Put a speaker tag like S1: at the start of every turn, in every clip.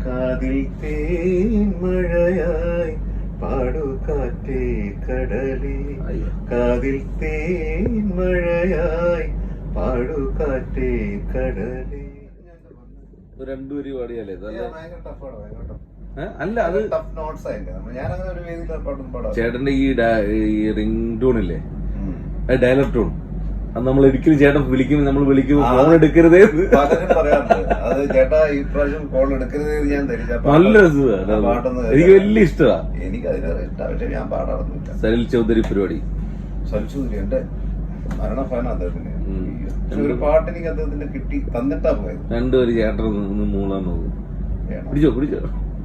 S1: കാതിൽ തേൻ മഴയായി പാടുകാറ്റേ കടലേ, കാതിൽ തേൻ മഴയായി പാടുകാറ്റേ കടലേ.
S2: രണ്ടുപേരും പാടിയാലേ
S1: അല്ല, അത് ടഫ് നോട്ട്സ് ആയില്ലേ. ഞാനങ്ങനെ ഒരു വേദിയിൽ പാടും പാടാം.
S2: ചേട്ടന്റെ ഈ റിംഗ് ടൂൺ ഇല്ലേ, ഡയലർ ടൂൺ, അത് നമ്മൾ ഒരിക്കലും ചേട്ടൻ വിളിക്കുമ്പോൾ നമ്മൾ വിളിക്കുമ്പോൾ ഫോൺ എടുക്കരുതേ
S1: പലരും പറയാറുണ്ട്. അത് ചേട്ടാ ഈ പ്രാവശ്യം ഫോൺ എടുക്കരുതേ ഞാൻ ധരിച്ച
S2: നല്ല രസമാണ്. എനിക്ക് വലിയ ഇഷ്ടമാണ്.
S1: എനിക്ക് അതിലേറെ ഇഷ്ടമാണ്. പക്ഷെ ഞാൻ പാടാറൊന്നുമില്ല.
S2: സലിൽ ചൗധരി പരിപാടി.
S1: സലിൽ ചൗധരി എന്റെ മരണ ഫാനാണ് അദ്ദേഹത്തിന്. ഒരു പാട്ട് എനിക്ക് അദ്ദേഹത്തിന്റെ കിട്ടി തന്നിട്ടാ പോയത്.
S2: രണ്ടുപേര് ചേട്ടൻ മൂളാൻ നോക്കും. പിടിച്ചോ.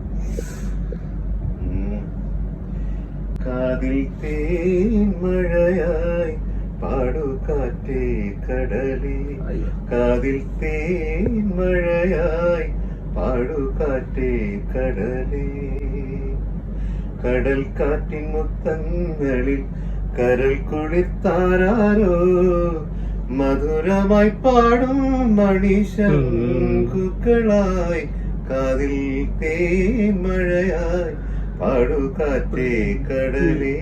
S1: കാതിൽ തേൻ മഴയായി പാടുകാറ്റേ കടലേ, കാതിൽ തേൻ മഴയായി പാടുകാറ്റേ കടലേ. കടൽ കാറ്റിൻ മുത്തങ്ങളിൽ കരൽ കുളിർത്താരോ, മധുരമായി പാടും മണിശങ്കുകളായി കാതിൽ തേൻ മഴയായി പാടുകാറ്റേ കടലേ.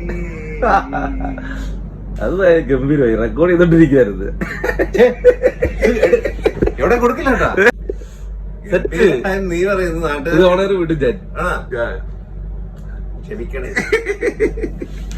S2: അത് ഗംഭീരമായി റെക്കോർഡ് ചെയ്തോണ്ടിരിക്കുകയായിരുന്നു.
S1: എവിടെ കൊടുക്കില്ല നീ പറയുന്നത് നാട്ടിൽ
S2: ഓണർ വിട്ടു ഞാൻ
S1: ക്ഷമിക്കണേ.